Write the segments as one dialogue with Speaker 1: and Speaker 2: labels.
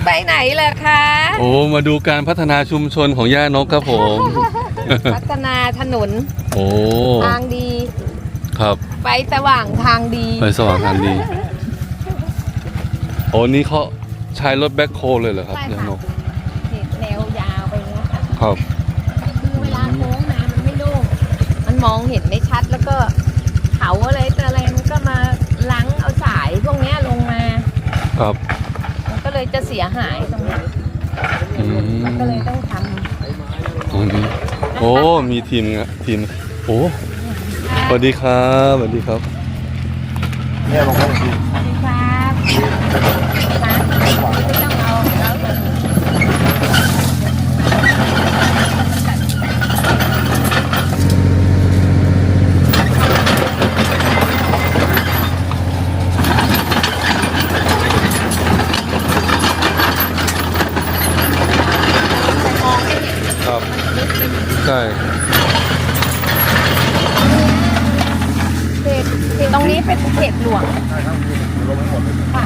Speaker 1: ไปไหนล่ะคะ
Speaker 2: โอ้มาดูการพัฒนาชุมชนของย่านกครับผม
Speaker 1: พัฒนาถนน
Speaker 2: โอ้
Speaker 1: ทางดี
Speaker 2: ครับ
Speaker 1: ไฟสว่างทางดี
Speaker 2: ไฟสว่างทางดีโอ้นี่เขาใช้รถแบ็คโฮเลยเหรอครับย่านก
Speaker 1: แนวยาวไปเงี้ยค่ะ
Speaker 2: ครับ
Speaker 1: คือเวลาโค้งมามันไม่โล่งมันมองเห็นไม่ชัดแล้วก็เขาอะไรแต่อะไรมันก็มาล้างเอาสายพวกนี้ลงมา
Speaker 2: ครับ
Speaker 1: มันก็เลยจะเสียหายตรงนี้มันก็เลยต้องทำ
Speaker 2: ตรงนี้โอ้มีทีมโอ้สวัสดีครับสวัสดีครับ
Speaker 1: เนี่ยลงมาดีสวัสดีครับไม่ต้องเอาแล้ว
Speaker 2: ครับใช่
Speaker 1: ตรงนี้เป็นเขตหลวงค่ะ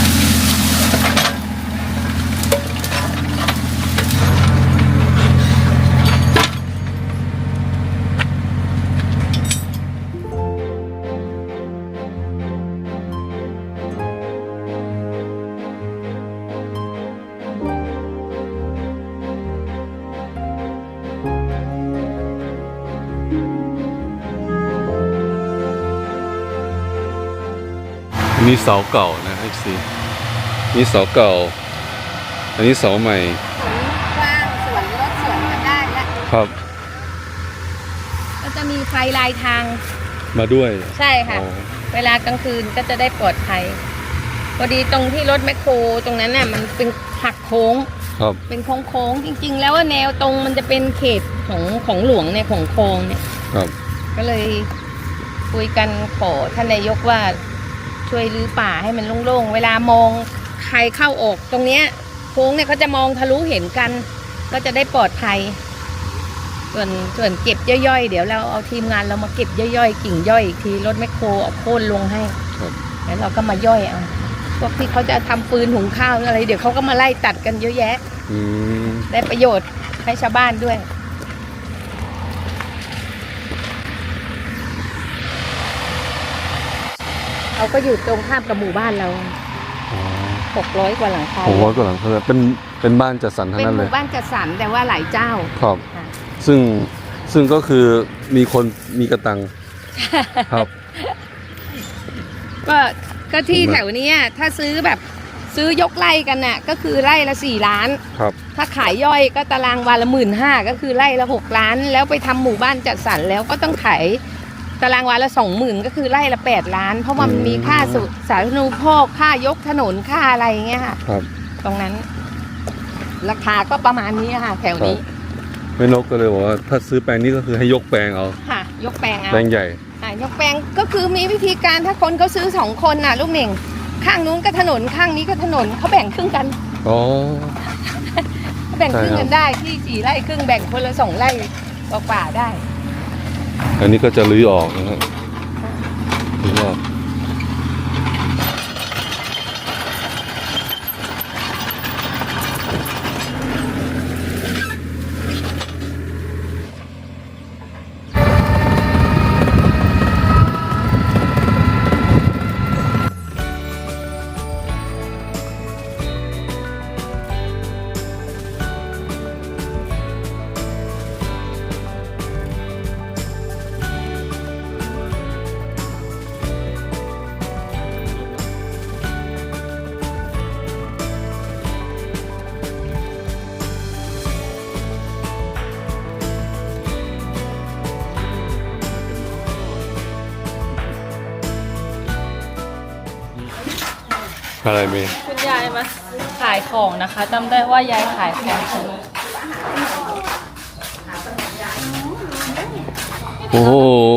Speaker 2: นี่เสาเก่านะFCนี่เสาเก่าอันนี้เสาใหม่
Speaker 1: กว้างสวนรถสวนกันได้แล้ว
Speaker 2: ครับ
Speaker 1: ก็จะมีไฟลายทาง
Speaker 2: มาด้วย
Speaker 1: ใช่ค่ะเวลากลางคืนก็จะได้ปลอดภัยพอดีตรงที่รถแมคโครตรงนั้นน่ะมันเป็นหักโค้ง
Speaker 2: ครับ
Speaker 1: เป็นโค้งจริงๆแล้วว่าแนวตรงมันจะเป็นเขตของหลวงเนี่ยของโค้งเนี่ย
Speaker 2: ครับ
Speaker 1: ก็เลยคุยกันขอท่านนายกว่าช่วยรื้อป่าให้มันโล่งๆเวลามองใครเข้าออกตรงเนี้ยโค้งเนี่ยเขาจะมองทะลุเห็นกันก็จะได้ปลอดภัยส่วนเก็บย่อยๆเดี๋ยวเราเอาทีมงานเรามาเก็บย่อยๆกิ่งย่อยอีกทีรถแมคโครเอาโค่นลงให้แล้วเราก็มาย่อยเอาพวกที่เขาจะทำฟืนหุงข้าวอะไรเดี๋ยวเขาก็มาไล่ตัดกันเยอะแยะได้ประโยชน์ให้ชาวบ้านด้วยเราก็อยู่ตรงข้ามกับหมู่บ้านเรา600 กว่าหลังคา
Speaker 2: 600 กว่าหลังคาเป็นบ้านจัดสรรทั้งนั้นเลย
Speaker 1: เป็นหมู่บ้านจัดสรรแต่ว่าหลายเจ้า
Speaker 2: ครับซึ่งก็คือมีคนมีกระตังครับ
Speaker 1: ก็ที่แถวนี้ถ้าซื้อยกไร่กันน่ะก็คือไร่ละ4 ล้าน
Speaker 2: ครับ
Speaker 1: ถ้าขายย่อยก็ตารางวาละ15,000ก็คือไร่ละ6 ล้านแล้วไปทำหมู่บ้านจัดสรรแล้วก็ต้องขายตารางวาละ20,000ก็คือไร่ละ8 ล้านเพราะว่ามันมีค่าสาธารณูปโภคค่ายกถนนค่าอะไรเงี้ยค่ะ
Speaker 2: ครับ
Speaker 1: ตรงนั้นราคาก็ประมาณนี้ค่ะแถวนี้
Speaker 2: แม่นกก็เลยบอกว่าถ้าซื้อแปลงนี้ก็คือให้ยกแปลงเอา
Speaker 1: ค่ะยกแปลงเอา
Speaker 2: แปลงใหญ่
Speaker 1: ยกแปลงก็คือมีวิธีการถ้าคนเขาซื้อ2 คนน่ะลูกเหม่งข้างนู้นก็ถนนข้างนี้ก็ถนนเขาแบ่งครึ่งกัน
Speaker 2: อ๋อ
Speaker 1: แบ่งครึ่งกันได้ที่4 ไร่ครึ่งแบ่งคนละ2 ไร่กว่าได้
Speaker 2: อันนี้ก็จะรื้อออกนะครับรื้อออกอะไรเมย์
Speaker 3: คุณยายมาขายของนะคะจำได้ว่ายายขายของ
Speaker 2: โอ้โห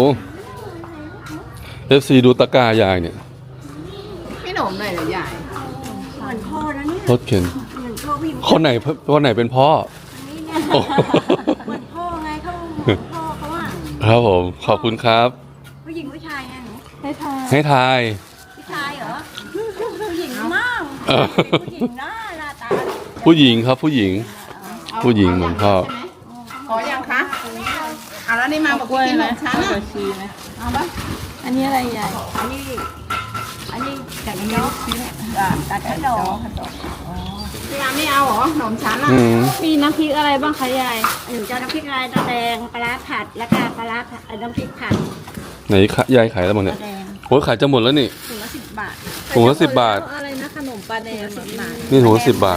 Speaker 2: FCดูตะกร้ายายเนี่ย
Speaker 1: พี่หนมหน่อยเหรอยาย
Speaker 4: เหมือนพ่อนะเนี่ย
Speaker 2: รถเข็นคนไหนเป็นพ่อ
Speaker 4: เหมือนพ่อไงเขาพ่อเขาอ่ะ
Speaker 2: ครับผมขอบคุณครับ
Speaker 4: ผู้หญิงผู้ชายไงหนู
Speaker 2: ให้ทาย
Speaker 4: ผู้ชายเหรอผู้หญิงมากผู้หญิงหน้าตา
Speaker 2: ผู้หญิงครับผู้หญิง ผู้หญิงเหมือนพ่อ
Speaker 1: ขอยังคะเอาแล้วนี่มาบอก
Speaker 3: กล้วย
Speaker 1: กินข
Speaker 3: ไหม
Speaker 1: นมชั้น
Speaker 3: กล้
Speaker 1: อ่ะ
Speaker 3: วยชีไหม
Speaker 1: เอาปะ
Speaker 3: อันนี้อะไรใหญ่
Speaker 4: อันนี้จากนี้ตัดขนม
Speaker 1: พี่ยาไม่เอาเหรอขนมชั้นอ่ะ
Speaker 2: อืม
Speaker 3: มีน้ำพริกอะไรบ้างคะยาย
Speaker 4: หนูจะน้ำพริกลายตาแดงปลาร้าผัดแล้วก็ปลาร้าน้ำพริกผัด
Speaker 2: ไหนยายขายแล้วมั้งเนี่ย
Speaker 4: ตาแดง
Speaker 2: โอ้ยขายจะหมดแล้วนี่
Speaker 4: ถุงละ10 บาท
Speaker 2: ถุงละ10 บาท
Speaker 3: อะไรนะขนมปลาแดง
Speaker 4: 10 บาท
Speaker 2: นี่ถุงละ10 บาท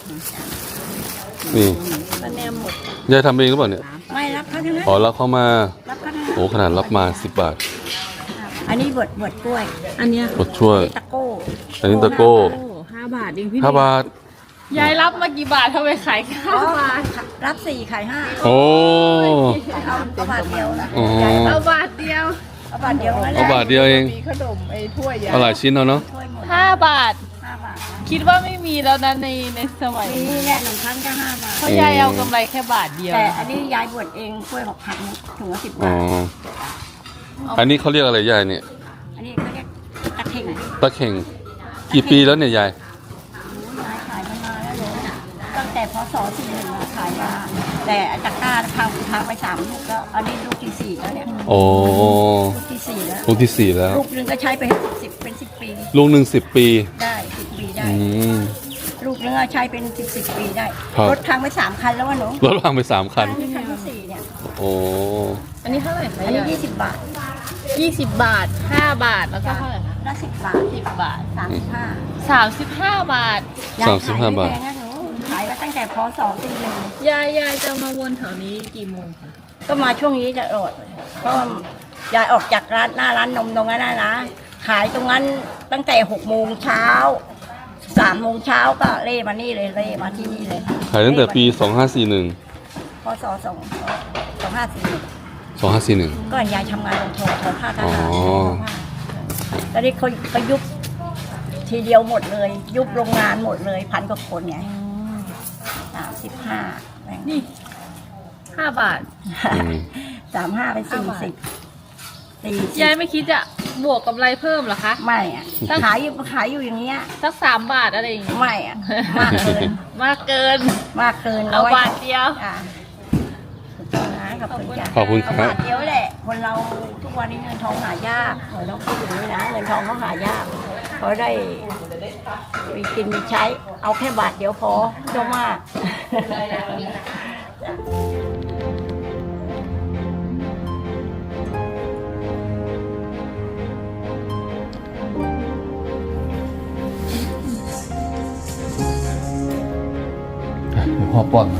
Speaker 2: นี่
Speaker 3: ปลาแดงหมด
Speaker 2: ยายทำเองหรือเปล่าเนี่ย
Speaker 4: ไม่รับเขาทั้งนั้น
Speaker 2: อ๋อรับเข้ามา
Speaker 4: รับเขาทั้งนั้น
Speaker 2: โอ้ขนาดรับมา10 บาท
Speaker 4: อันนี้บดกล้วย
Speaker 3: อันเนี้ย
Speaker 2: กดช่วย
Speaker 4: ตะโก้
Speaker 2: อันนี้ตะโก้
Speaker 3: โอ้5 บาทเองพี่
Speaker 2: 5 บาท
Speaker 3: ยายรับมากี่บาททำไมขายแค่5 บาท
Speaker 4: รับ4ขาย5
Speaker 2: โอ้
Speaker 4: เอาบาทเดียวนะ
Speaker 2: อ๋อ
Speaker 3: เอาบาทเดียว
Speaker 4: เอาบาทเดียวนั่นแห
Speaker 2: เอา
Speaker 4: ละ
Speaker 2: บาทเดียวเอง
Speaker 1: มีขนมไอ้ถ้วยยา
Speaker 2: เอาหลายชิ้นเอาเนาะ
Speaker 4: ถ้วยหมด
Speaker 3: 5 บาท
Speaker 4: 5 บาท
Speaker 3: คิดว่าไม่มีแล้วนะในสมัยนี้
Speaker 4: นี่เนี่ยหนึ่งครั้งก็5 บาท
Speaker 3: เพราะยายเอากำไรแค่บาทเดียว
Speaker 4: แต่อันนี้ยายบดเองกล้วย6,000ถุงละ10
Speaker 2: อ๋อ
Speaker 4: บาท
Speaker 2: อันนี้เขาเรียกอะไรยายเนี่ย
Speaker 4: อันนี้เขาเรียกตะเข่ง
Speaker 2: ตะเข่ง กี่ปีแล้วเนี่ยยาย
Speaker 4: ยายขายมานานแล้วเลยตั้งแต่พศ41มาขายมาแต่ตะกร้าพังไป3 ลูกแล้วอันนี้ลูกที่4แล้วเนี่ย
Speaker 2: โอ้
Speaker 4: ลูกที่4แล้ว
Speaker 2: ลูกที่ 4 แล้ว
Speaker 4: ลูกนึงก็ใช้ไป10 ปี
Speaker 2: ลูกหนึ่ง10 ปี
Speaker 4: ได้10 ปีได้
Speaker 2: อืม
Speaker 4: ลูกนึงก็ใช้เป็น10 ปีได้
Speaker 2: ครับ
Speaker 4: รถพังไป3 คันแล้ววะหนู
Speaker 2: รถพังไป3 คัน
Speaker 4: นี่คันที่4เนี่ย
Speaker 2: โอ้
Speaker 3: อันนี้เท่าไหร่คะ
Speaker 4: อันนี้
Speaker 3: ยาย
Speaker 4: 20 บาท
Speaker 3: 20 บาท 5 บาทแล้วก็เท่าไหร่คะ
Speaker 4: ละ10 บาท
Speaker 3: 10 บาท
Speaker 4: 35
Speaker 3: 35 บาท
Speaker 2: 35 บาท
Speaker 4: ยยขยไม่แพงนะหนูขายมาตั้งแต่พศ41
Speaker 3: ยายจะมาวนแถวนี้กี่โมงคะ
Speaker 4: ก็มาช่วงนี้จะอดเพราะว่ายายออกจากร้านหน้าร้านนมตรงนั้นนะขายตรงนั้นตั้งแต่6 โมงเช้า3 โมงเช้าก็เล่มานี่เลยเล่มาที่นี่เลย
Speaker 2: ขายตั้งแต่ปี 2541
Speaker 4: พศ2541
Speaker 2: 2541
Speaker 4: ก็ยายทำงานโรงทอผ้าท
Speaker 2: อ๋อ
Speaker 4: หารตอนนี้เขาก็ยุบทีเดียวหมดเลย ยุบโรงงานหมดเลย1,000 กว่าคนไง35แบ่ง
Speaker 3: นี่ 5 บาท
Speaker 2: อืม
Speaker 4: 35เป็น40
Speaker 3: ยายไม่คิดจะบวกกำไรเพิ่มเหรอคะ
Speaker 4: ไม่อะขายอยู่อย่างเงี้ย
Speaker 3: สัก3 บาทอะไรอย่างเงี้ย
Speaker 4: ไม่อะมากเกิน
Speaker 3: มากเกิน
Speaker 4: มากเกิน
Speaker 3: เอาบาทเดียว
Speaker 4: อ่ะขอบคุณนะขอบคุณจ้ะ
Speaker 2: ขอบคุณครับ
Speaker 4: เอาบาทเดียวแหละ คนเราทุกวันนี้เงินทองหายากเราต้องพูดอย่างนี้นะเงินทองเขาหายากเขาได้มีกินมีใช้ เอาแค่บาทเดียวพอไม่ต้องมาก
Speaker 2: เดี๋ยวพ่อป้อน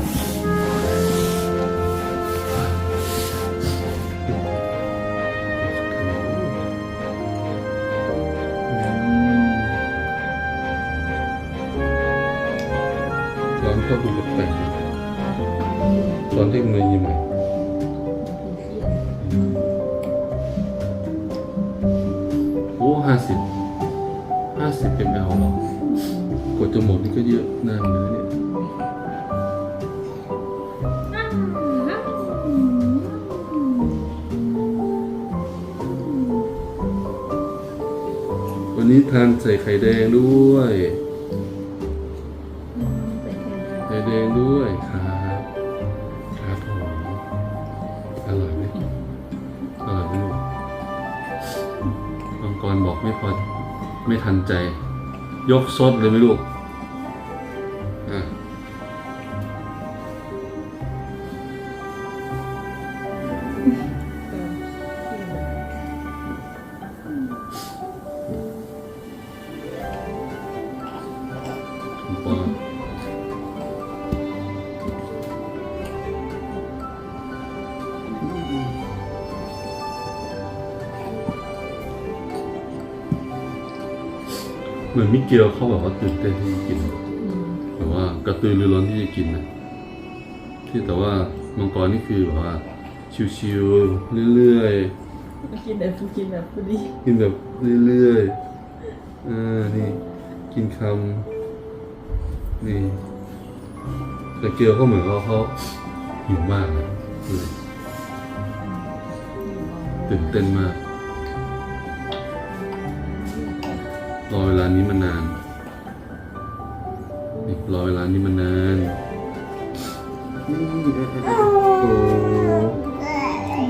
Speaker 2: ร้อนก็ดูแปลกๆตอนที่มือยิ้มโอ้50เป็นเอาหรอกดจะหมดนี่ก็เยอะนานเลยเนี่ย วันนี้ทานใส่ไข่แดงด้วยไข่แดงด้วยครับครับผมอร่อยไหมอร่อยไหมลูกมังกรบอกไม่พอไม่ทันใจ ยกซดเลยไหมลูกอ่ะปอเหมือนมิเกลเขาแบบว่าตื่นเต้นที่จะกินแบบว่ากระตือรือร้นที่จะกินนะที่แต่ว่ามังกรนี่คือแบบว่าชิวๆเรื่อยๆ
Speaker 3: กินแบบพอดี
Speaker 2: กินแบบเรื่อยๆนี่กินคำนี่แต่เกียวก็เหมือนว่าเขาหิวมากนะตื่นเต้นมากรอเวลานี้มานานนี่รอเวลานี้มานานโอ้
Speaker 3: แต่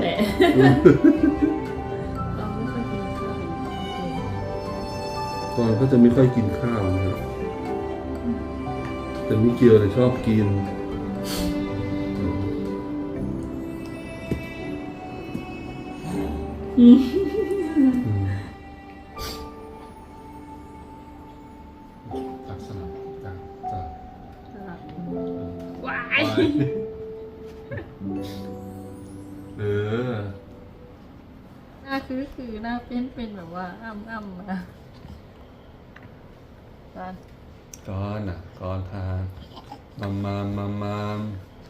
Speaker 2: ก่อนก็จะไม่ค่อยกินข้าวนะครับแต่มิเกียวเนี่ยชอบกินตักสลับตัก
Speaker 3: ว้าย
Speaker 2: เออ
Speaker 3: หน้าคือหน้าเป็นแบบว่าอ้ำนะตอน
Speaker 2: ก้อนอ่ะก้อนทานมาม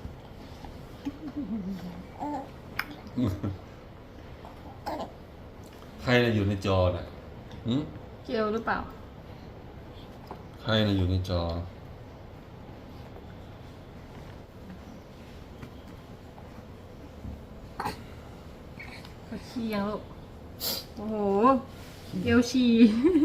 Speaker 2: ใครน่ะอยู่ในจอน่ะหืม
Speaker 3: เกลียวหรือเปล่า
Speaker 2: ใครน่ะอยู่ในจอ
Speaker 3: เขาขี้ยังลูกโอ้โหเกลียวฉี่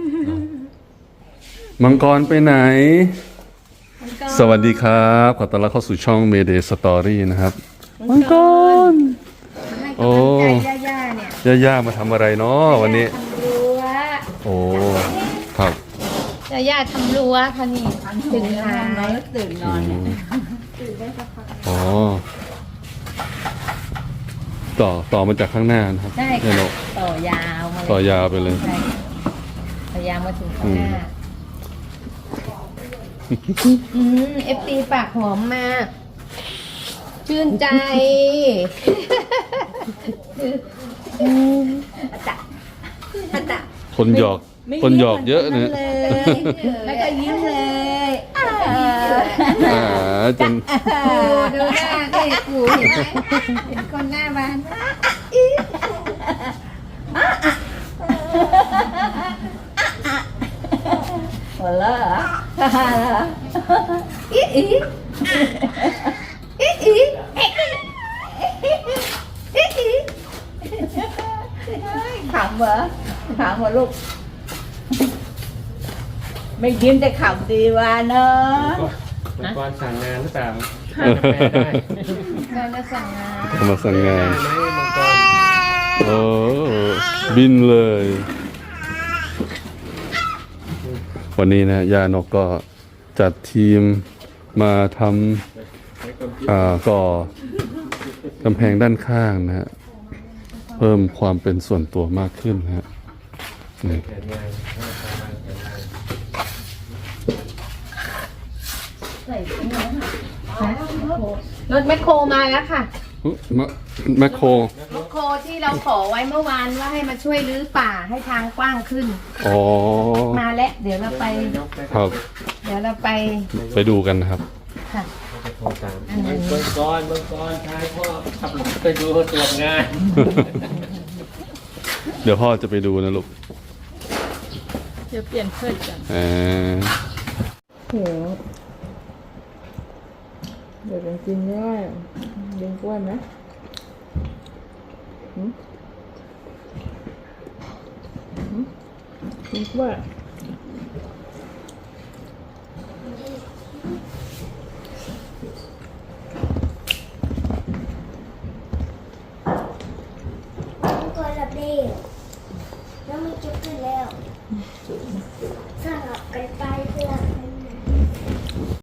Speaker 2: มังกรไปไหน สวัสดีครับขอต้อนรับเข้าสู่ช่อง Mayday Story นะครับ มังกร โอ้
Speaker 1: ย่าเนี่ย
Speaker 2: ย่ามาทำอะไรเนาะวันนี้
Speaker 1: ทำรั้ว
Speaker 2: โอ้ ครับ
Speaker 1: ย่าทำรั้วค่ะนี่ถึงหา
Speaker 4: นอนแล้วตื่นนอนเนี่ย
Speaker 2: อ๋อ ต่อมาจากข้างหน้านะครับ
Speaker 1: ได้
Speaker 2: เนี่ย
Speaker 1: ค่ะ
Speaker 2: เนอะ
Speaker 1: ต่อยาวมาเลย
Speaker 2: ต่อยาวไปเลย
Speaker 1: ใช่ต่อยาวมาถึงข้างหน้าFT ปากหอมมาก ชื่นใจอาตะ
Speaker 2: คนหยอกเยอะนะ
Speaker 1: แล้วก็ยิ้มเลย
Speaker 2: จน
Speaker 1: ดูหน้าเด็กกูเห็นไหมเป็นคนหน้าบาน
Speaker 4: หัวเราะเหรอ
Speaker 1: อีอีอีอีอีอี
Speaker 4: ขำเหรอขำเหรอลูก ไม่ยิ้มแต่ขำดีว่าเนอะ
Speaker 5: มังกรสั่งงานหรือเปล่า
Speaker 1: เราจะสั่งงาน
Speaker 2: มาสั่งงาน
Speaker 5: ไหมมังกร
Speaker 2: โอ้บินเลย วันนี้นะย่านกก็จัดทีมมาทำก่อกำแพงด้านข้างนะฮะเพิ่มความเป็นส่วนตัวมากขึ้นนะฮะนี่
Speaker 5: แผนงาน
Speaker 1: รถแมคโครมาแล้วค่ะ
Speaker 2: แมคโคร
Speaker 1: แมคโครที่เราขอไว้เมื่อวานว่าให้มาช่วยรื้อป่าให้ทางกว้างขึ้น
Speaker 2: อ๋อ
Speaker 1: มาแล้วเดี๋ยวเราไป
Speaker 2: ครับ
Speaker 1: เดี๋ยวเราไป
Speaker 2: ไปดูกันนะครับ
Speaker 1: ค่ะ
Speaker 5: โทรตามมังกรชายพ่อขับรถไปดูตรวจงาน
Speaker 2: เดี๋ยวพ่อจะไปดูนะลูก
Speaker 3: เดี๋ยวเปลี่ยนเพื่อนกัน
Speaker 1: โหเดี๋ยวกินได้เลี้ยงกล้วยไหมกินกล้วย